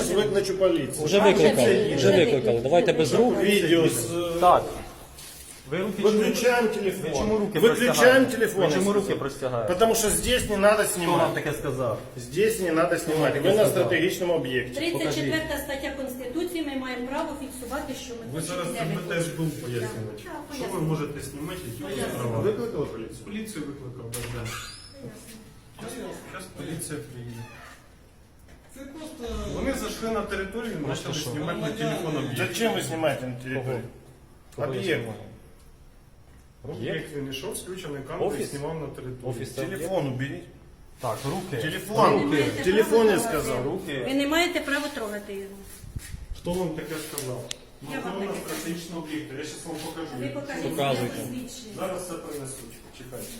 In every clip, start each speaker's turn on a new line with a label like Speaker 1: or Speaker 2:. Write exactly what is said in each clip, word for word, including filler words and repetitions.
Speaker 1: сейчас выключу полицию.
Speaker 2: Вже викликали, вже викликали. Давайте без рук.
Speaker 1: Видео с...
Speaker 2: Так. Ви руки
Speaker 1: Выключаем телефон.
Speaker 2: Ви чому руки
Speaker 1: Выключаем
Speaker 2: простягаєте?
Speaker 1: телефон.
Speaker 2: Ви чому
Speaker 1: я
Speaker 2: руки
Speaker 1: сказал.
Speaker 2: простягаєте?
Speaker 1: Потому что здесь не надо
Speaker 2: Хто вам
Speaker 1: снимать.
Speaker 2: таке сказав?
Speaker 1: Здесь не надо снимать.
Speaker 2: таке
Speaker 1: Вы на
Speaker 2: сказав?
Speaker 1: стратегічному об'єкті.
Speaker 3: тридцять четверта стаття Конституції, ми маємо право фіксувати, що ми
Speaker 4: Ви зараз
Speaker 3: хочемо, де ми
Speaker 4: це теж
Speaker 3: хочемо.
Speaker 4: був пояснювати.
Speaker 3: Так, так,
Speaker 4: Що ви
Speaker 3: пояснюю.
Speaker 4: можете знімати, які у вас права?
Speaker 1: Викликали поліцію?
Speaker 4: Поліцію викликав, так, да. Зараз поліція приїде.
Speaker 5: Це просто
Speaker 4: Вони зайшли на територію і почали знімати на телефон об'єкт.
Speaker 1: Зачем вы снимаете на территорию?
Speaker 2: Кого я
Speaker 1: Объект.
Speaker 2: знімаю?
Speaker 4: Об'єкт він йшов, включений камерою і
Speaker 2: Офіс?
Speaker 4: знімав на територію.
Speaker 2: Офіс це об'єкт?
Speaker 1: Телефон уберите.
Speaker 2: Так, руки.
Speaker 1: Телефон.
Speaker 3: Руки.
Speaker 1: Телефон я сказал.
Speaker 3: Ви не маєте права трогати його.
Speaker 4: Хто вам таке сказав?
Speaker 3: Я вам
Speaker 4: Охорона
Speaker 3: таке
Speaker 4: стратегічного об'єкту. Я зараз вам покажу.
Speaker 3: Ви покажіть
Speaker 2: Показуйте.
Speaker 3: своє посвідчення.
Speaker 4: Зараз це принесуть. Чекайте.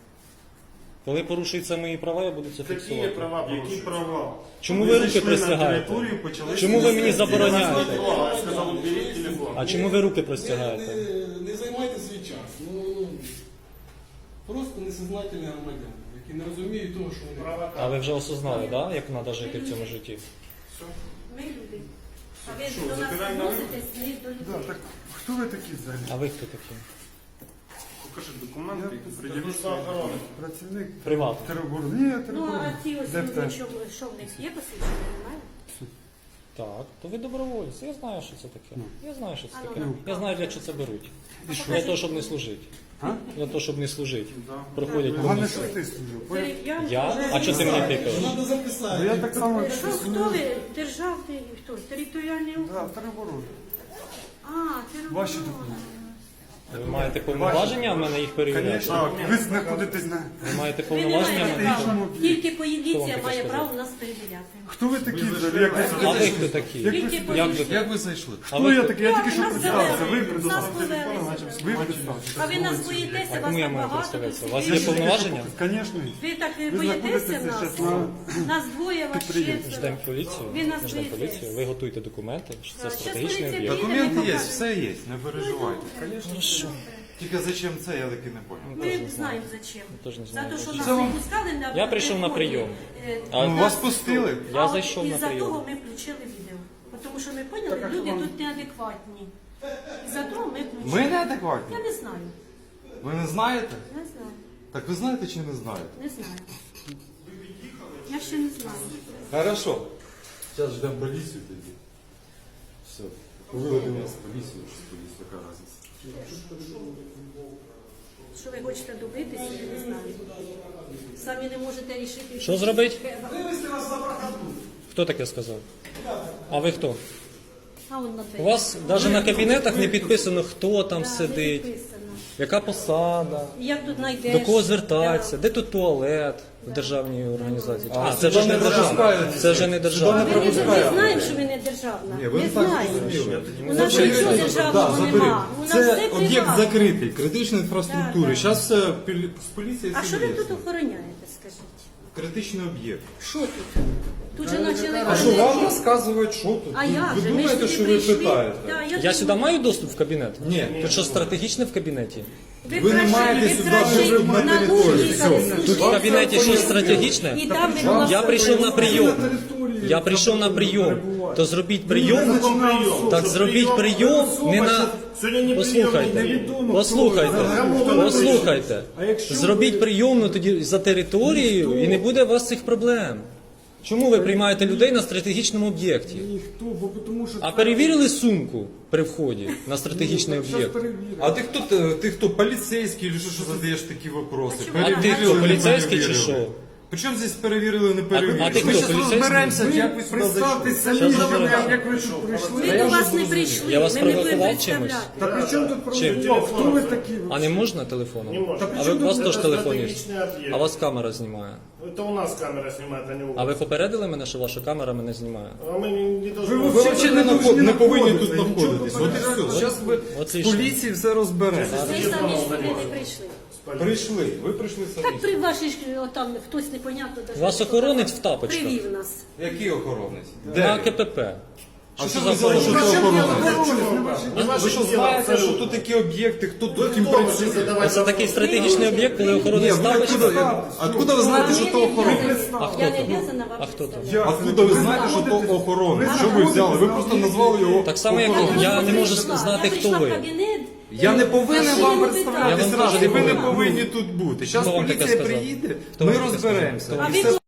Speaker 2: Коли порушуються мої права, я буду це
Speaker 1: Какие
Speaker 2: фіксувати.
Speaker 1: права
Speaker 4: Які
Speaker 1: порушили?
Speaker 4: права?
Speaker 2: Чому ви руки
Speaker 4: зайшли на
Speaker 2: простягаєте?
Speaker 4: територію, почали
Speaker 2: Чому ви мені
Speaker 4: знімати.
Speaker 2: забороняєте?
Speaker 1: Я сказал, уберите телефон.
Speaker 2: А чому ви руки
Speaker 5: не,
Speaker 2: простягаєте?
Speaker 5: не, не займайте свій час. Ну, ну, просто несознательні громадяни, які не розуміють того, що вони.
Speaker 1: Права
Speaker 2: А ви вже осознали, да, як треба жити в цьому житті?
Speaker 3: Ми люди. А ви
Speaker 4: Що,
Speaker 3: до нас
Speaker 4: забираємо на
Speaker 3: відноситесь не до людей.
Speaker 4: Хто ви такі взагалі?
Speaker 2: А ви хто такі?
Speaker 4: Покажи документи, які
Speaker 1: Служба
Speaker 4: приділюють.
Speaker 1: охорони.
Speaker 6: Працівник
Speaker 2: Приватно.
Speaker 6: тероборони. Ні,
Speaker 3: Ну,
Speaker 6: тероборони.
Speaker 3: а ці ось
Speaker 6: Де
Speaker 3: люди,
Speaker 6: те?
Speaker 3: що, що в них є посвідчення, немає?
Speaker 2: Так, то ви добровольці. Я знаю, що це таке. Я знаю, що це
Speaker 3: А ну,
Speaker 2: таке.
Speaker 3: ну.
Speaker 2: Я знаю, для чого це беруть. Для того, щоб не служити.
Speaker 6: А?
Speaker 2: Для того, щоб не служити. Проходять
Speaker 6: Головне,
Speaker 2: повністю.
Speaker 6: що ти служив.
Speaker 3: Дерев'янка.
Speaker 2: Я? А чого ти мені тикаєш?
Speaker 5: Треба записати.
Speaker 6: Ну, я так само
Speaker 3: Що, хто ви? Державний, хто? Територіальний
Speaker 6: Да,
Speaker 3: округ?
Speaker 6: тероборони.
Speaker 3: А, територіальний.
Speaker 6: Ваші документи.
Speaker 2: Ви маєте повноваження в мене їх перевіряти?
Speaker 6: Звісно, ви знаходитесь на...
Speaker 2: Ви маєте
Speaker 3: Ви не
Speaker 2: повноваження в
Speaker 3: маєте
Speaker 2: мене?
Speaker 3: права. Тільки
Speaker 2: Хто
Speaker 3: поліція
Speaker 2: вам таке
Speaker 3: має
Speaker 2: сказав?
Speaker 3: право нас перевіряти.
Speaker 6: Хто ви такі взагалі? Як ви
Speaker 2: А
Speaker 6: сюди
Speaker 2: ви
Speaker 6: зайшли?
Speaker 2: хто такі?
Speaker 6: Як ви
Speaker 3: Тільки
Speaker 6: сюди-
Speaker 2: Як ви,
Speaker 3: поліція.
Speaker 2: як ви зайшли? А
Speaker 6: Хто
Speaker 2: ви
Speaker 6: я
Speaker 2: хто?
Speaker 6: такий? Я тільки що
Speaker 3: Нас
Speaker 6: представився.
Speaker 3: завели.
Speaker 6: Ви представився.
Speaker 3: Нас завели.
Speaker 6: Ви представився.
Speaker 3: А ви нас боїтеся,
Speaker 2: А
Speaker 3: вас
Speaker 2: кому я
Speaker 3: так
Speaker 2: маю
Speaker 3: багато.
Speaker 2: представитися?
Speaker 3: тут
Speaker 2: У вас є
Speaker 3: сидить.
Speaker 2: повноваження?
Speaker 6: Звісно.
Speaker 3: Ви так
Speaker 6: Ви
Speaker 3: боїтеся
Speaker 6: знаходитеся
Speaker 3: нас?
Speaker 6: зараз на...
Speaker 3: Нас двоє, вас
Speaker 6: Підприємстві.
Speaker 3: четверо.
Speaker 2: Ждемо поліцію.
Speaker 3: Ви нас
Speaker 2: Ждемо
Speaker 3: боїтесь.
Speaker 2: поліцію. Ви готуйте документи, що це
Speaker 3: Так, щас
Speaker 2: стратегічний
Speaker 3: поліція
Speaker 2: об'єкт.
Speaker 3: приїде,
Speaker 7: Документи
Speaker 3: ми
Speaker 7: є,
Speaker 3: покажемо.
Speaker 7: все є, не переживайте.
Speaker 2: Хорошо.
Speaker 7: Тільки зачем це, я таки не понял.
Speaker 3: Ми не знаємо зачем.
Speaker 2: Теж не
Speaker 3: За
Speaker 2: знаю,
Speaker 3: те, що
Speaker 2: зачем.
Speaker 3: нас
Speaker 7: Це
Speaker 3: не
Speaker 7: вам-
Speaker 3: пускали на
Speaker 2: Я прийшов на
Speaker 3: приході,
Speaker 2: прийом.
Speaker 3: е,
Speaker 2: А
Speaker 7: Ну,
Speaker 3: нас-
Speaker 7: вас пустили?
Speaker 2: Я
Speaker 3: а
Speaker 2: зайшов
Speaker 3: от
Speaker 2: на
Speaker 3: із-за
Speaker 2: прийом.
Speaker 3: того ми включили відео. Тому що ми поняли, люди тут неадекватні. Із-за того ми включили.
Speaker 7: Ми неадекватні?
Speaker 3: Я не знаю.
Speaker 7: Ви не знаєте?
Speaker 3: Не знаю.
Speaker 7: Так ви знаєте чи не знаєте?
Speaker 3: Не знаю. Я ще не знаю.
Speaker 7: Хорошо. Зараз ждемо поліцію тоді. Все. Виведемо з поліцію, чи з поліції, яка різниця.
Speaker 3: Що ви хочете добитися, я не знаю. Самі не можете рішити.
Speaker 2: Що зробить?
Speaker 5: Вивезти вас за прокату.
Speaker 2: Хто таке сказав? А ви хто?
Speaker 3: А он на
Speaker 2: У вас навіть на кабінетах не підписано, хто там
Speaker 3: Да, не
Speaker 2: сидить,
Speaker 3: підписано.
Speaker 2: яка посада,
Speaker 3: Як тут знайдеш?
Speaker 2: до кого звертатися, де тут туалет в державній організації. А, це
Speaker 7: сюди
Speaker 2: вже не
Speaker 7: не
Speaker 2: державна.
Speaker 7: пропускають.
Speaker 2: Це вже не
Speaker 3: Да.
Speaker 2: державна.
Speaker 3: Ми не, не знаємо, що ви не державна.
Speaker 7: Ні, ви
Speaker 3: не
Speaker 7: не так
Speaker 3: знаємо.
Speaker 7: зрозуміли.
Speaker 3: У нас нічого державного нема. У нас
Speaker 7: Це
Speaker 3: все
Speaker 7: об'єкт
Speaker 3: приватне.
Speaker 7: закритий, критичної інфраструктури.
Speaker 3: Так, так.
Speaker 7: Зараз все пілі- з поліції
Speaker 3: А
Speaker 7: всі
Speaker 3: що ви
Speaker 7: вияснить.
Speaker 3: тут охороняєте, скажіть?
Speaker 7: Критичний об'єкт.
Speaker 3: Що тут? Тут же почали...
Speaker 7: А що вам розказують, що тут?
Speaker 3: А як
Speaker 7: ви
Speaker 3: же? Ми ж
Speaker 7: думаєте,
Speaker 3: туди
Speaker 7: що ви
Speaker 3: прийшли.
Speaker 7: питаєте?
Speaker 3: Да,
Speaker 2: Я
Speaker 3: думаю,
Speaker 2: сюди маю доступ в кабінет?
Speaker 7: Ні.
Speaker 2: Тут що стратегічне в кабінеті?
Speaker 3: Ви,
Speaker 7: ви не
Speaker 3: краще-
Speaker 7: маєте
Speaker 3: ви
Speaker 7: сюди
Speaker 3: краще
Speaker 7: вже на
Speaker 3: на
Speaker 7: територію.
Speaker 3: нуль їхали
Speaker 7: Все.
Speaker 2: Тут
Speaker 3: служити.
Speaker 2: в кабінеті щось стратегічне?
Speaker 3: І там ви була
Speaker 2: Я прийшов на прийом. Я прийшов на прийом. То зробіть прийом. Так зробіть прийом не на...
Speaker 1: Сьогодні не
Speaker 2: Послухайте, послухайте, послухайте. Зробіть прийомну тоді за територією і не буде у вас цих проблем. Чому ви приймаєте людей на стратегічному об'єкті?
Speaker 6: Ніхто, бо тому що...
Speaker 2: А перевірили сумку при вході на стратегічний об'єкт?
Speaker 7: А ти хто, ти, ти хто, поліцейський, чи що, що задаєш такі вопроси?
Speaker 3: А чому?
Speaker 2: А ти хто, поліцейський чи що?
Speaker 7: Причому здесь перевірили, не перевірили?
Speaker 2: а ти
Speaker 7: Ми
Speaker 2: хто,
Speaker 7: щас
Speaker 2: поліцейський?
Speaker 7: розберемося, як ви сюди
Speaker 6: Представтесь
Speaker 7: зайшли.
Speaker 6: самі,
Speaker 2: Щас
Speaker 6: що ви-
Speaker 2: розберемося.
Speaker 6: як ви що, прийшли.
Speaker 3: Ми до вас не прийшли,
Speaker 2: Я вас
Speaker 3: ми не будемо
Speaker 2: провокував чимось?
Speaker 3: представляти.
Speaker 6: Та при чому тут
Speaker 2: Чим?
Speaker 6: проводять? Хто ви такі?
Speaker 2: А не можна телефоном?
Speaker 1: Не можна.
Speaker 2: А ви, у вас
Speaker 1: Це
Speaker 2: теж телефон є?
Speaker 1: стратегічний об'єкт.
Speaker 2: А вас камера знімає.
Speaker 1: Это у нас камера снимает, а не у
Speaker 2: А
Speaker 1: вас.
Speaker 2: ви попередили мене, що ваша камера мене знімає?
Speaker 1: А мы не, не должны...
Speaker 6: Ви
Speaker 7: Ви взагалі не, наход- не повинні тут
Speaker 6: Нічого
Speaker 7: знаходитись. От і все. Зараз ви з
Speaker 2: Отлично.
Speaker 7: поліції все розберемо.
Speaker 3: Ви самі сюди не прийшли.
Speaker 7: Прийшли, ви прийшли самі.
Speaker 3: Так при вашій ж, отам хтось непонятно. даже
Speaker 2: Вас охоронець в тапочках.
Speaker 3: Привів нас.
Speaker 7: Який охоронець?
Speaker 2: На
Speaker 7: Де? він?
Speaker 2: КПП. Що
Speaker 7: що
Speaker 2: це
Speaker 7: ви
Speaker 2: за
Speaker 7: взяли, що
Speaker 2: охорона?
Speaker 7: це охорона?
Speaker 1: Не
Speaker 7: Ви
Speaker 1: ваше
Speaker 7: що
Speaker 1: діло,
Speaker 7: знаєте, що
Speaker 1: абсолютно.
Speaker 7: тут такі об'єкти, хто
Speaker 1: Ви
Speaker 7: тут ким
Speaker 1: хто вже
Speaker 7: працює?
Speaker 1: задавати
Speaker 2: Це такий стратегічний об'єкт, коли
Speaker 7: Ні,
Speaker 2: охоронець
Speaker 7: ви
Speaker 2: ставить.
Speaker 7: откуда, откуда ви знаєте, що то охорона?
Speaker 2: А хто
Speaker 3: Я не
Speaker 2: то?
Speaker 3: обязана вам
Speaker 2: А хто то?
Speaker 3: представляти.
Speaker 7: Откуда ви знаєте, що то охорона? Що ви взяли? Ви просто назвали його
Speaker 2: Так само, як
Speaker 7: охороною.
Speaker 2: я не можу
Speaker 3: прийшла,
Speaker 2: знати,
Speaker 3: я
Speaker 2: хто
Speaker 3: прийшла в
Speaker 2: ви.
Speaker 3: кабінет,
Speaker 7: Я не повинен
Speaker 3: а ще
Speaker 7: вам
Speaker 3: не
Speaker 7: представляти
Speaker 2: Я вам
Speaker 7: зразу,
Speaker 2: теж не
Speaker 7: ви не
Speaker 2: повинен.
Speaker 7: повинні тут бути. Зараз
Speaker 2: Хто вам таке
Speaker 7: поліція
Speaker 2: сказав?
Speaker 7: приїде,
Speaker 2: Хто
Speaker 7: ми
Speaker 2: вам таке сказав?
Speaker 7: розберемося.
Speaker 2: Хто
Speaker 3: А
Speaker 2: вам
Speaker 3: ви
Speaker 7: І все